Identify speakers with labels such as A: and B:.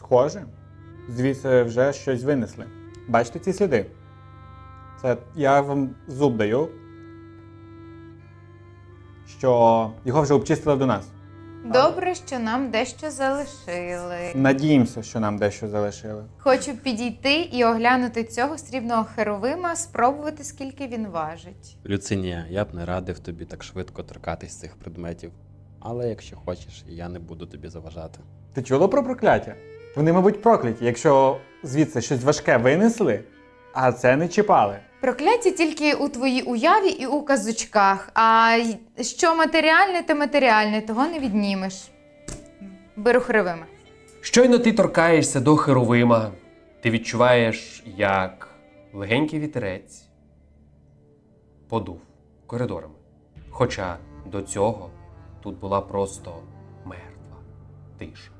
A: Схоже, звідси вже щось винесли. Бачите ці сліди? Це я вам зуб даю, що його вже обчистили до нас.
B: Добре, що нам дещо залишили.
A: Надіємося, що нам дещо залишили.
B: Хочу підійти і оглянути цього срібного херовима, спробувати, скільки він важить.
C: Люцинія, я б не радив тобі так швидко торкатись цих предметів. Але якщо хочеш, я не буду тобі заважати.
A: Ти чула про прокляття? Вони, мабуть, прокляті, якщо звідси щось важке винесли, а це не чіпали.
B: Прокляття тільки у твоїй уяві і у казочках, а що матеріальне, то матеріальне, того не віднімеш. Беру херовима.
D: Щойно ти торкаєшся до херовима, ти відчуваєш, як легенький вітерець подув коридорами. Хоча до цього тут була просто мертва тиша.